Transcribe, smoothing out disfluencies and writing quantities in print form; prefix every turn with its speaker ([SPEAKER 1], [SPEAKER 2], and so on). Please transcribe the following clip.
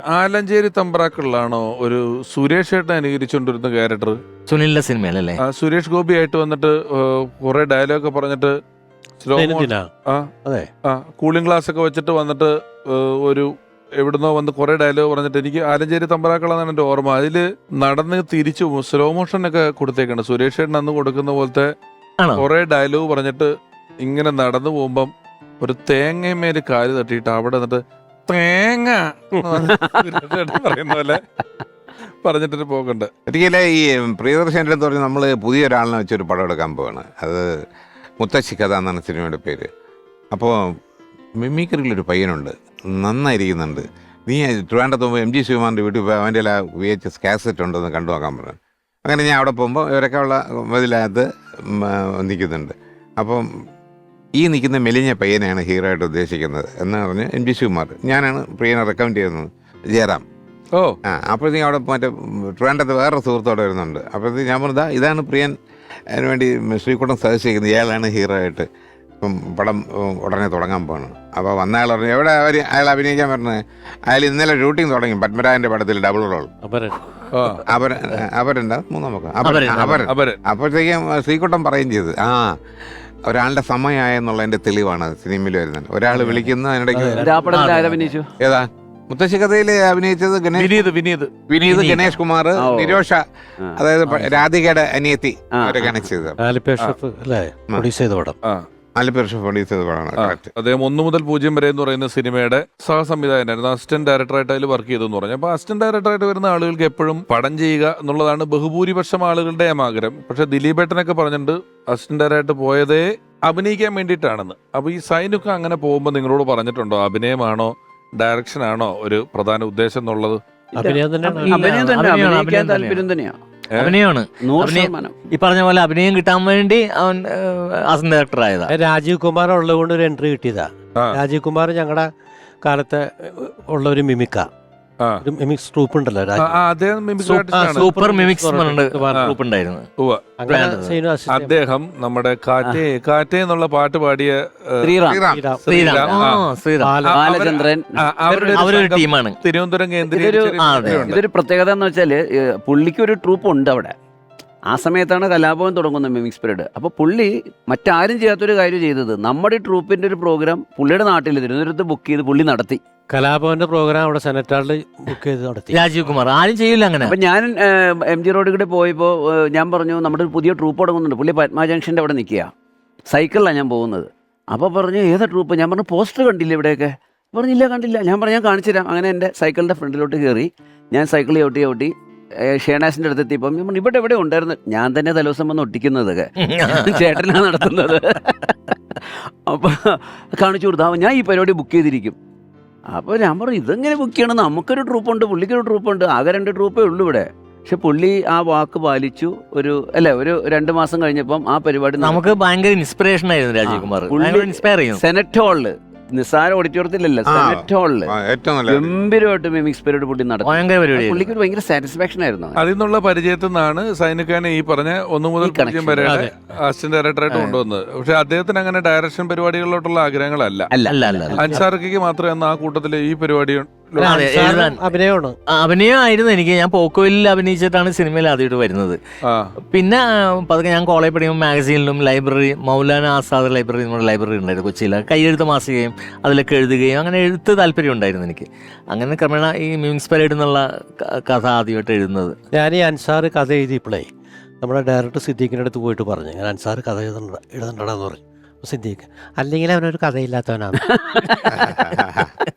[SPEAKER 1] ആലഞ്ചേരി തമ്പ്രാക്കളിലാണോ ഒരു സുരേഷ് ഏട്ടൻ അനുകരിച്ചുകൊണ്ടിരുന്ന ക്യാരക്ടർ?
[SPEAKER 2] സുനിലിന്റെ സിനിമയിലല്ലേ?
[SPEAKER 1] സുരേഷ് ഗോപി ആയിട്ട് വന്നിട്ട് കുറെ ഡയലോഗ് പറഞ്ഞിട്ട് കൂളിംഗ് ഗ്ലാസ് ഒക്കെ വെച്ചിട്ട് വന്നിട്ട് ഒരു എവിടുന്നോ വന്ന് കുറെ ഡയലോഗ് പറഞ്ഞിട്ട് എനിക്ക് ആലഞ്ചേരി തമ്പ്രാക്കളാണ് എന്റെ ഓർമ്മ. അതില് നടന്ന് തിരിച്ചു സ്ലോ മോഷൻ ഒക്കെ കൊടുത്തേക്കാണ്. സുരേഷ് ഏട്ടൻ അന്ന് കൊടുക്കുന്ന പോലത്തെ കുറെ ഡയലോഗ് പറഞ്ഞിട്ട് ഇങ്ങനെ നടന്നു പോകുമ്പം ഒരു തേങ്ങമേല് കാല് തട്ടിയിട്ട് അവിടെ എന്നിട്ട് തേങ്ങ പറയുന്ന പോലെ പറഞ്ഞിട്ട് പോകണ്ട.
[SPEAKER 3] ഒരിക്കലും ഈ പ്രിയദർശൻ്റെ അടുത്ത് പറഞ്ഞ് നമ്മൾ പുതിയൊരാളിനെ വെച്ചൊരു പടം എടുക്കാൻ പോവാണ്. അത് മുത്തശ്ശി കഥ എന്നാണ് സിനിമയുടെ പേര്. അപ്പോൾ മിമിക്രിയിലൊരു പയ്യനുണ്ട്, നന്നായിരിക്കുന്നുണ്ട്. നീ ട്രിവാൻഡ്രത്ത് പോകുമ്പോൾ MG ശിവകുമാറിൻ്റെ വീട്ടിൽ പോയി അവൻ്റെ എല്ലാ VHS കാസറ്റ് ഉണ്ടെന്ന് കണ്ടു നോക്കാൻ പറഞ്ഞു. അങ്ങനെ ഞാൻ അവിടെ പോകുമ്പോൾ ഇവരൊക്കെ ഉള്ള ഇതിനകത്ത് നിൽക്കുന്നുണ്ട്. അപ്പം ഈ നിൽക്കുന്ന മെലിഞ്ഞ പയ്യനെയാണ് ഹീറോ ആയിട്ട് ഉദ്ദേശിക്കുന്നത് എന്ന് പറഞ്ഞ് MG ശിവകുമാർ. ഞാനാണ് പ്രിയനെ റെക്കമെൻഡ് ചെയ്യുന്നത്, ജയറാം. അപ്പോഴത്തേക്കും അവിടെ മറ്റേ ട്രിവാൻഡ്രത്ത് വേറൊരു സുഹൃത്തോടെ വരുന്നുണ്ട്. അപ്പോഴത്തേക്ക് ഞാൻ പറഞ്ഞതാ ഇതാണ് പ്രിയൻ അതിന് വേണ്ടി ശ്രീകുട്ടൻ സജസ്റ്റ് ചെയ്യുന്നത്, ഇയാളാണ് ഹീറോ ആയിട്ട് ഇപ്പം പടം ഉടനെ തുടങ്ങാൻ പോകണം. അപ്പോൾ വന്ന അയാൾ പറഞ്ഞു എവിടെ അയാൾ അഭിനയിക്കാൻ പറഞ്ഞത്? അയാൾ ഇന്നലെ ഷൂട്ടിംഗ് തുടങ്ങി പത്മരാജൻ്റെ പടത്തിൽ ഡബിൾ റോൾ. അപരൻ്റെ മൂന്നാം പക്കം അപരൻ. അപ്പോഴത്തേക്കും ശ്രീകുട്ടൻ പറയുകയും ചെയ്ത് ഒരാളുടെ സമയമായെന്നുള്ളതിന്റെ തെളിവാണ് സിനിമയിൽ വരുന്നത്. ഒരാൾ വിളിക്കുന്ന അതിനിടയ്ക്ക് ഏതാ മുത്തശ്ശി കഥയിൽ അഭിനയിച്ചത് വിനീത്, ഗണേഷ് കുമാർ, നിരോഷ, അതായത് രാധികയുടെ അനിയത്തി അവരൊക്കെയാണ് ചെയ്തത്.
[SPEAKER 1] അദ്ദേഹം 1 മുതൽ 0 വരെ എന്ന് പറയുന്ന സിനിമയുടെ സഹസംവിധായകനായിരുന്നു. അസിസ്റ്റന്റ് ഡയറക്ടറായിട്ട് അതിൽ വർക്ക് ചെയ്തെന്ന് പറഞ്ഞു. അപ്പൊ അസിസ്റ്റന്റ് ഡയറക്ടറായിട്ട് വരുന്ന ആളുകൾക്ക് എപ്പോഴും പടം ചെയ്യുക എന്നുള്ളതാണ് ബഹുഭൂരിപക്ഷം ആളുകളുടെ ആഗ്രഹം. പക്ഷെ ദിലീപേട്ടനൊക്കെ പറഞ്ഞിട്ടുണ്ട് അസിസ്റ്റന്റ് ഡയറക്ടറായിട്ട് പോയതേ അഭിനയിക്കാൻ വേണ്ടിയിട്ടാണെന്ന്. അപ്പൊ ഈ സൈനൊക്കെ അങ്ങനെ പോകുമ്പോൾ നിങ്ങളോട് പറഞ്ഞിട്ടുണ്ടോ അഭിനയമാണോ ഡയറക്ഷൻ ആണോ ഒരു പ്രധാന ഉദ്ദേശം എന്നുള്ളത്?
[SPEAKER 2] അഭിനയമാണ്. ഈ പറഞ്ഞ പോലെ അഭിനയം കിട്ടാൻ വേണ്ടി അവൻ അസിസ്റ്റന്റ് ഡയറക്ടർ ആയതാ.
[SPEAKER 4] രാജീവ് കുമാർ ഉള്ളത് കൊണ്ട് ഒരു എൻട്രി കിട്ടിയതാ. രാജീവ് കുമാർ ഞങ്ങളുടെ കാലത്ത് ഉള്ള ഒരു മിമിക്ക മിമിക്സ് ട്രൂപ്പ് ഉണ്ടല്ലോ,
[SPEAKER 2] സൂപ്പർ മിമിക്സ് ട്രൂപ്പ് ഉണ്ടായിരുന്നു.
[SPEAKER 1] അദ്ദേഹം നമ്മുടെ കാറ്റേ എന്നുള്ള പാട്ട് പാടിയ
[SPEAKER 2] അവരൊരു ടീമാണ്
[SPEAKER 1] തിരുവനന്തപുരം കേന്ദ്രീകരിച്ച്.
[SPEAKER 5] ഇതൊരു പ്രത്യേകത എന്ന് വെച്ചാല് പുള്ളിക്ക് ഒരു ട്രൂപ്പ് ഉണ്ട് അവിടെ. ആ സമയത്താണ് കലാഭവൻ തുടങ്ങുന്നത് മിമിക്സ് പീരീഡ്. അപ്പോൾ പുള്ളി മറ്റാരും ചെയ്യാത്തൊരു കാര്യം ചെയ്തത്, നമ്മുടെ ട്രൂപ്പിന്റെ ഒരു പ്രോഗ്രാം പുള്ളിയുടെ നാട്ടിൽ തിരുവനന്തപുരത്ത് ബുക്ക് ചെയ്ത് പുള്ളി നടത്തി.
[SPEAKER 4] കലാഭവന്റെ പ്രോഗ്രാം അവിടെ സെനറ്റാളിൽ ബുക്ക് ചെയ്ത് നടത്തി.
[SPEAKER 2] രാജീവ് കുമാർ ആരും ചെയ്യില്ല അങ്ങനെ.
[SPEAKER 5] അപ്പം ഞാൻ MG റോഡിൽ കൂടെ പോയപ്പോൾ ഞാൻ പറഞ്ഞു നമ്മുടെ ഒരു പുതിയ ട്രൂപ്പ് തുടങ്ങുന്നുണ്ട്. പുള്ളി പത്മ ജംഗ്ഷൻ്റെ അവിടെ നിൽക്കുക, സൈക്കിളിലാണ് ഞാൻ പോകുന്നത്. അപ്പോൾ പറഞ്ഞു ഏതാ ട്രൂപ്പ്? ഞാൻ പറഞ്ഞു പോസ്റ്റർ കണ്ടില്ല ഇവിടെയൊക്കെ. പറഞ്ഞില്ല കണ്ടില്ല. ഞാൻ പറഞ്ഞു ഞാൻ കാണിച്ചു തരാം. അങ്ങനെ എൻ്റെ സൈക്കിളിൻ്റെ ഫ്രണ്ടിലോട്ട് കയറി ഞാൻ സൈക്കിൾ ചവിട്ടി ഷേണാസിൻ്റെ അടുത്തെത്തിയപ്പം ഞാൻ പറഞ്ഞു ഇവിടെ ഉണ്ടായിരുന്നു. ഞാൻ തന്നെ തലേദിവസം വന്ന് ഒട്ടിക്കുന്നതൊക്കെ ചേട്ടനാണ് നടത്തുന്നത്. അപ്പോൾ കാണിച്ചു കൊടുത്താൽ ഞാൻ ഈ പരിപാടി ബുക്ക് ചെയ്തിരിക്കും. അപ്പോൾ ഞാൻ പറഞ്ഞു ഇതെങ്ങനെ ബുക്ക് ചെയ്യണം, നമുക്കൊരു ട്രൂപ്പുണ്ട് പുള്ളിക്കൊരു ട്രൂപ്പുണ്ട്, ആകെ 2 ട്രൂപ്പേ ഉള്ളൂ ഇവിടെ. പക്ഷെ പുള്ളി ആ വാക്ക് പാലിച്ചു. ഒരു 2 മാസം കഴിഞ്ഞപ്പം ആ പരിപാടി
[SPEAKER 2] നമുക്ക് ഭയങ്കര ഇൻസ്പിറേഷൻ ആയിരുന്നു. രാജീവ് കുമാർ
[SPEAKER 5] സെനറ്റ് ഹാളില്, നിസ്സാര ഓഡിറ്റോറിയത്തിലല്ല, സെനറ്റ് ഹാളില് ഗംഭീരമായിട്ട് മിമിക്സ് പീരീഡ് പുള്ളി നടത്തി. പുള്ളിക്ക് ഒരു ഭയങ്കര സാറ്റിസ്ഫാക്ഷൻ ആയിരുന്നു.
[SPEAKER 1] അതിൽ നിന്നുള്ള പരിചയത്തിൽ നിന്നാണ് സൈനിക്കാനെ ഈ പറഞ്ഞ 1 മുതൽ 0 വരെ അസിസ്റ്റന്റ് ഡയറക്ടറായിട്ട് കൊണ്ടുവന്നത്. പക്ഷെ അദ്ദേഹത്തിന് അങ്ങനെ ഡയറക്ഷൻ പരിപാടികളിലോട്ടുള്ള ആഗ്രഹങ്ങളല്ല. അൻസാർക്ക് മാത്രമേ ആ കൂട്ടത്തില് ഈ പരിപാടി
[SPEAKER 2] അഭിനയമായിരുന്നു എനിക്ക്. ഞാൻ പോക്കോയിൽ അഭിനയിച്ചിട്ടാണ് സിനിമയിൽ ആദ്യമായിട്ട് വരുന്നത്. പിന്നെ പതുക്കെ ഞാൻ കോളേജ് പഠിക്കുമ്പോൾ മാഗസീനിലും ലൈബ്രറി, മൗലാന ആസാദ് ലൈബ്രറി നമ്മുടെ ലൈബ്രറി ഉണ്ടായിരുന്നു കൊച്ചിയിൽ, കൈയെഴുത്ത് മാസികയും അതിലൊക്കെ എഴുതുകയും അങ്ങനെ എഴുത്ത് താല്പര്യം ഉണ്ടായിരുന്നു എനിക്ക്. അങ്ങനെ ക്രമേണ ഈ മിമിക്സ് പരേഡ് എന്നുള്ള കഥ ആദ്യമായിട്ട് എഴുതുന്നത്.
[SPEAKER 4] ഞാൻ ഈ അൻസാർ കഥ എഴുതിയപ്പോഴേ നമ്മുടെ ഡയറക്ടർ സിദ്ദീഖിൻ്റെ അടുത്ത് പോയിട്ട് പറഞ്ഞു ഞാൻ അൻസാർ കഥ എഴുതണ്ടടാന്ന് പറഞ്ഞു. സിദ്ദീഖ് അല്ലെങ്കിൽ അവനൊരു കഥയില്ലാത്തവനാണ്.